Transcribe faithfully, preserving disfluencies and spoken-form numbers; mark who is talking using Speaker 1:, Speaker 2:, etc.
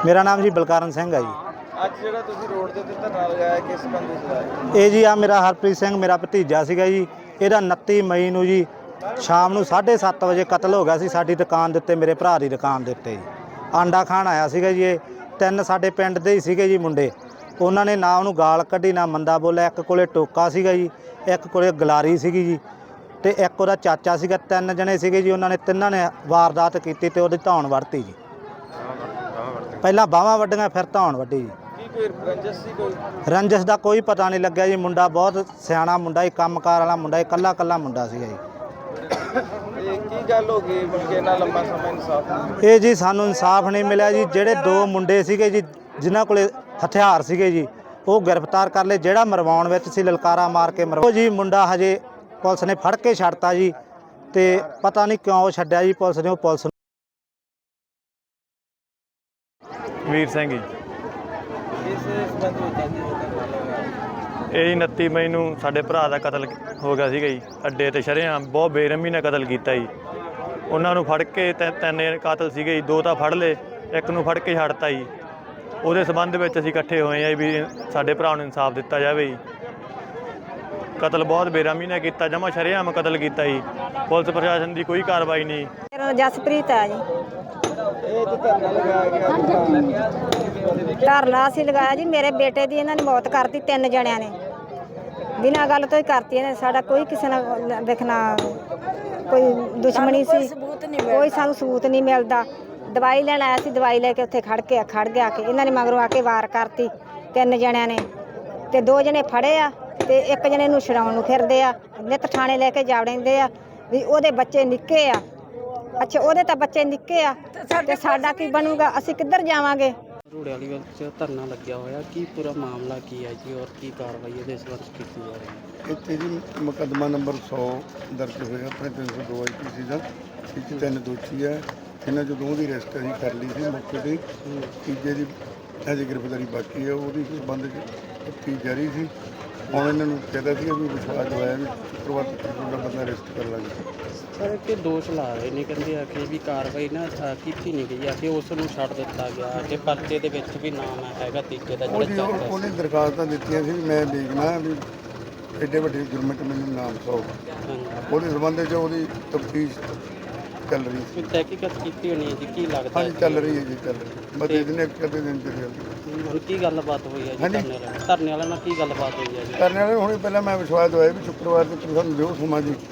Speaker 1: ਮੇਰਾ ਨਾਮ ਜੀ ਬਲਕਾਰਨ ਸਿੰਘ ਹੈ ਜੀ।
Speaker 2: ਅੱਜ ਜਿਹੜਾ ਤੁਸੀਂ ਰੋਡ ਦੇ ਉੱਤੇ ਧਰਨਾ ਲਗਾਇਆ ਕਿਸ ਸੰਬੰਧ ਵਿੱਚ ਲਾਇਆ?
Speaker 1: ਇਹ ਜੀ ਆ ਮੇਰਾ ਹਰਪ੍ਰੀਤ ਸਿੰਘ ਮੇਰਾ ਭਤੀਜਾ ਸੀਗਾ ਜੀ। ਇਹਦਾ ਉਨੱਤੀ ਮਈ ਨੂੰ ਜੀ ਸ਼ਾਮ ਨੂੰ ਸਾਢੇ ਸੱਤ ਵਜੇ ਕਤਲ ਹੋ ਗਿਆ ਸੀ ਸਾਡੀ ਦੁਕਾਨ ਦੇ ਉੱਤੇ, ਮੇਰੇ ਭਰਾ ਦੀ ਦੁਕਾਨ ਦੇ ਉੱਤੇ ਜੀ। ਆਂਡਾ ਖਾਣ ਆਇਆ ਸੀਗਾ ਜੀ। ਇਹ ਤਿੰਨ ਸਾਡੇ ਪਿੰਡ ਦੇ ਹੀ ਸੀਗੇ ਜੀ ਮੁੰਡੇ। ਉਹਨਾਂ ਨੇ ਨਾ ਉਹਨੂੰ ਗਾਲ ਕੱਢੀ ਨਾ ਮੰਦਾ ਬੋਲਿਆ। ਇੱਕ ਕੋਲੇ ਟੋਕਾ ਸੀਗਾ ਜੀ, ਇੱਕ ਕੋਲੇ ਗਲਾਰੀ ਸੀਗੀ ਜੀ, ਤੇ ਇੱਕ ਉਹਦਾ ਚਾਚਾ ਸੀਗਾ। ਤਿੰਨ ਜਣੇ ਸੀਗੇ ਜੀ। ਉਹਨਾਂ ਨੇ ਤਿੰਨਾਂ ਨੇ ਵਾਰਦਾਤ ਕੀਤੀ ਤੇ ਉਹਦੀ ਧੌਣ ਵੜਤੀ ਜੀ। ਪਹਿਲਾਂ ਬਾਹਾਂ ਵੱਡੀਆਂ ਫਿਰ ਧੌਣ ਵੱਢੀ ਜੀ।
Speaker 2: ਕੀ ਕੋਈ ਰੰਜਿਸ਼ ਸੀ? ਕੋਈ
Speaker 1: ਰੰਜਿਸ਼ ਦਾ ਕੋਈ ਪਤਾ ਨਹੀਂ ਲੱਗਿਆ ਜੀ। ਮੁੰਡਾ ਬਹੁਤ ਸਿਆਣਾ ਮੁੰਡਾ ਹੀ, ਕੰਮਕਾਰ ਵਾਲਾ ਮੁੰਡਾ ਹੀ, ਇਕੱਲਾ ਇਕੱਲਾ ਮੁੰਡਾ ਸੀਗਾ ਜੀ।
Speaker 2: ਇਹ ਕੀ ਗੱਲ ਹੋ ਗਈ ਕਿ ਇੰਨਾ ਲੰਮਾ ਸਮਾਂ ਇਨਸਾਫ ਨਹੀਂ?
Speaker 1: ਇਹ ਜੀ ਸਾਨੂੰ ਇਨਸਾਫ ਨਹੀਂ ਮਿਲਿਆ ਜੀ। ਜਿਹੜੇ ਦੋ ਮੁੰਡੇ ਸੀਗੇ ਜੀ ਜਿਨ੍ਹਾਂ ਕੋਲੇ ਹਥਿਆਰ ਸੀਗੇ ਜੀ, ਉਹ ਗ੍ਰਿਫਤਾਰ ਕਰ ਲਏ। ਜਿਹੜਾ ਮਰਵਾਉਣ ਵਿੱਚ ਸੀ ਲਲਕਾਰਾ ਮਾਰ ਕੇ ਮਰਵਾ ਜੀ ਮੁੰਡਾ ਹਜੇ ਪੁਲਿਸ ਨੇ ਫੜ ਕੇ ਛੱਡਤਾ ਜੀ। ਤੇ ਪਤਾ ਨਹੀਂ ਕਿਉਂ ਛੱਡਿਆ ਜੀ ਪੁਲਿਸ ਨੇ। ਉਹ ਪੁਲਿਸ
Speaker 3: ਵੀਰ ਸਿੰਘ ਜੀ।
Speaker 2: ਇਸ ਸੰਬੰਧ ਵਿੱਚ ਅੱਜ ਇਹ ਧਰਨਾ ਲਗਾਇਆ?
Speaker 3: ਇਹ ਉਨੱਤੀ ਮਈ ਨੂੰ ਸਾਡੇ ਭਰਾ ਦਾ ਕਤਲ ਹੋ ਗਿਆ ਸੀਗਾ ਜੀ। ਅੱਡੇ ਤੇ ਸ਼ਰੇਆਮ ਬਹੁਤ ਬੇਰਹਿਮੀ ਨਾਲ ਕਤਲ ਕੀਤਾ ਜੀ। ਉਹਨਾਂ ਨੂੰ ਫੜ ਕੇ ਤਿੰਨ ਤਿੰਨ ਕਾਤਲ ਸੀਗੇ ਜੀ। ਦੋ ਤਾਂ ਫੜ ਲਏ, ਇੱਕ ਨੂੰ ਫੜ ਕੇ ਛੱਡਤਾ ਜੀ। ਉਹਦੇ ਸੰਬੰਧ ਵਿੱਚ ਅਸੀਂ ਇਕੱਠੇ ਹੋਏ ਆ ਵੀ ਸਾਡੇ ਭਰਾ ਨੂੰ ਇਨਸਾਫ ਦਿੱਤਾ ਜਾਵੇ ਜੀ। ਕਤਲ ਬਹੁਤ ਬੇਰਹਿਮੀ ਨਾਲ ਕੀਤਾ, ਜਮਾ ਸ਼ਰੇਆਮ ਕਤਲ ਕੀਤਾ ਜੀ। ਪੁਲਿਸ ਪ੍ਰਸ਼ਾਸਨ ਦੀ ਕੋਈ ਕਾਰਵਾਈ ਨਹੀਂ।
Speaker 4: ਮੇਰਾ ਨਾਮ ਜਸਪ੍ਰੀਤ ਹੈ ਜੀ।
Speaker 2: ਇਹ ਤੇ ਧਰਨਾ ਲਗਾਇਆ ਗਿਆ
Speaker 4: ਧਰਨਾ ਅਸੀਂ ਲਗਾਇਆ ਜੀ। ਮੇਰੇ ਬੇਟੇ ਦੀ ਇਹਨਾਂ ਨੇ ਮੌਤ ਕਰਤੀ, ਤਿੰਨ ਜਣਿਆਂ ਨੇ ਬਿਨਾਂ ਗੱਲ ਤੋਂ ਹੀ ਕਰਤੀ ਇਹਨੇ। ਸਾਡਾ ਕੋਈ ਕਿਸੇ ਨਾਲ ਵੇਖਣਾ ਕੋਈ ਦੁਸ਼ਮਣੀ ਸੀ, ਕੋਈ ਸਾਨੂੰ ਸਬੂਤ ਨਹੀਂ ਮਿਲਦਾ। ਦਵਾਈ ਲੈਣ ਆਇਆ ਸੀ, ਦਵਾਈ ਲੈ ਕੇ ਉੱਥੇ ਖੜ ਕੇ ਖੜ ਗਿਆ ਕਿ ਇਹਨਾਂ ਨੇ ਮਗਰੋਂ ਆ ਕੇ ਵਾਰ ਕਰਤੀ ਤਿੰਨ ਜਣਿਆਂ ਨੇ। ਤੇ ਦੋ ਜਣੇ ਫੜੇ ਆ ਤੇ ਇੱਕ ਜਣੇ ਨੂੰ ਛਡਾਉਣ ਨੂੰ ਫਿਰਦੇ ਆ। ਨਿੱਤ ਥਾਣੇ ਲੈ ਕੇ ਜਾਵੜਦੇ ਆ ਵੀ ਉਹਦੇ ਬੱਚੇ ਨਿੱਕੇ ਆ। ਅੱਛਾ, ਉਹਦੇ ਤਾਂ ਬੱਚੇ ਨਿੱਕੇ ਆ ਤੇ ਸਾਡਾ ਕੀ ਬਣੂਗਾ? ਅਸੀਂ ਕਿੱਧਰ ਜਾਵਾਂਗੇ?
Speaker 5: ਰੋੜੇ ਵਾਲੀ ਵਿੱਚ ਧਰਨਾ ਲੱਗਿਆ ਹੋਇਆ, ਕੀ ਪੂਰਾ ਮਾਮਲਾ ਕੀ ਹੈ ਜੀ ਔਰ ਕੀ ਕਾਰਵਾਈ ਇਹਦੇ ਸੰਬੰਧ ਕੀਤੀ ਜਾ ਰਹੀ ਹੈ?
Speaker 6: ਇੱਥੇ ਜੀ ਮੁਕੱਦਮਾ ਨੰਬਰ ਸੌ ਦਰਜ ਹੋਇਆ ਆਪਣੇ ਤਿੰਨ ਸੌ ਦੋ ਆਈ ਪੀ ਸੀ ਦਾ। ਇਹ 'ਚ ਤਿੰਨ ਦੋਸ਼ੀ ਹੈ। ਇਹਨਾਂ 'ਚੋਂ ਦੋ ਦੀ ਅਰੈਸਟ ਅਸੀਂ ਕਰ ਲਈ ਸੀ ਮੌਕੇ 'ਤੇ। ਤੀਜੇ ਦੀ ਅਜੇ ਗ੍ਰਿਫਤਾਰੀ ਬਾਕੀ ਹੈ। ਉਹਦੀ ਸੰਬੰਧ 'ਚ ਤਫਤੀਸ਼ ਜਾਰੀ ਸੀ। ਹੁਣ ਇਹਨਾਂ ਨੂੰ ਕਹਿੰਦਾ ਸੀ ਵੀ ਵਿਸ਼ਵਾਸ ਦਵਾਇਆ ਵੀ ਸ਼ੁੱਕਰਵਾਰ ਤੱਕ ਤੁਹਾਡਾ ਬੰਦਾ ਅਰੈਸਟ ਕਰ ਲਾਂਗੇ।
Speaker 5: ਸਰ ਕਿ ਦੋਸ਼ ਲਾ ਰਹੇ ਨੇ, ਕਹਿੰਦੇ ਆ ਕਿ ਵੀ ਕਾਰਵਾਈ ਨਾ ਅ, ਕੀਤੀ ਨਹੀਂ ਗਈ ਆ ਕਿ ਉਸ ਨੂੰ ਛੱਡ ਦਿੱਤਾ ਗਿਆ ਕਿ ਪਰਚੇ ਦੇ ਵਿੱਚ ਵੀ ਨਾਮ ਹੈਗਾ ਤੀਜੇ ਦਾ
Speaker 6: ਉਹ ਜੀ
Speaker 5: ਜਿਹੜਾ
Speaker 6: ਉਹ-
Speaker 5: ਚੱਲਦਾ
Speaker 6: ਉਹਨੇ ਦਰਖਾਸਤਾਂ ਦਿੱਤੀਆਂ ਸੀ ਵੀ ਮੈਂ ਦੇਖਣਾ ਵੀ ਐਡੇ ਵੱਡੇ ਜੁਰਮ 'ਚ ਮੈਨੂੰ ਨਾਮ ਸੌ। ਉਹਦੇ ਸੰਬੰਧ 'ਚ ਉਹਦੀ ਤਫਤੀਸ਼ ਚੱਲ ਰਹੀ ਸੀ।
Speaker 5: ਕੋਈ ਤਹਿਕੀਕਤ ਕੀਤੀ ਹੋਣੀ ਹੈ ਜੀ, ਕੀ ਲੱਗਦਾ
Speaker 6: ਹਾਂਜੀ
Speaker 5: ਹੈ
Speaker 6: ਚੱਲ ਰਹੀ ਹੈ ਜੀ, ਚੱਲ ਰਹੀ। ਬਸ ਇਹਦੇ ਨੇ ਇੱਕ ਅੱਧੇ ਦਿਨ ਚ ਚੱਲ
Speaker 5: ਹੁਣ ਕੀ ਗੱਲਬਾਤ ਹੋਈ ਹੈ ਜੀ
Speaker 6: ਹਾਂਜੀ।
Speaker 5: ਧਰਨੇ ਵਾਲਿਆਂ ਨਾਲ? ਧਰਨੇ ਵਾਲਿਆਂ ਨਾਲ ਕੀ ਗੱਲਬਾਤ ਹੋਈ ਹੈ ਜੀ?
Speaker 6: ਕਰਨੇ ਵਾਲੇ ਹੁਣੇ ਪਹਿਲਾਂ ਮੈਂ ਵਿਸ਼ਵਾਸ ਦਵਾਇਆ ਵੀ ਸ਼ੁੱਕਰਵਾਰ ਤੱਕ ਸਾਨੂੰ ਦਿਓ ਸਮਾਂ ਜੀ।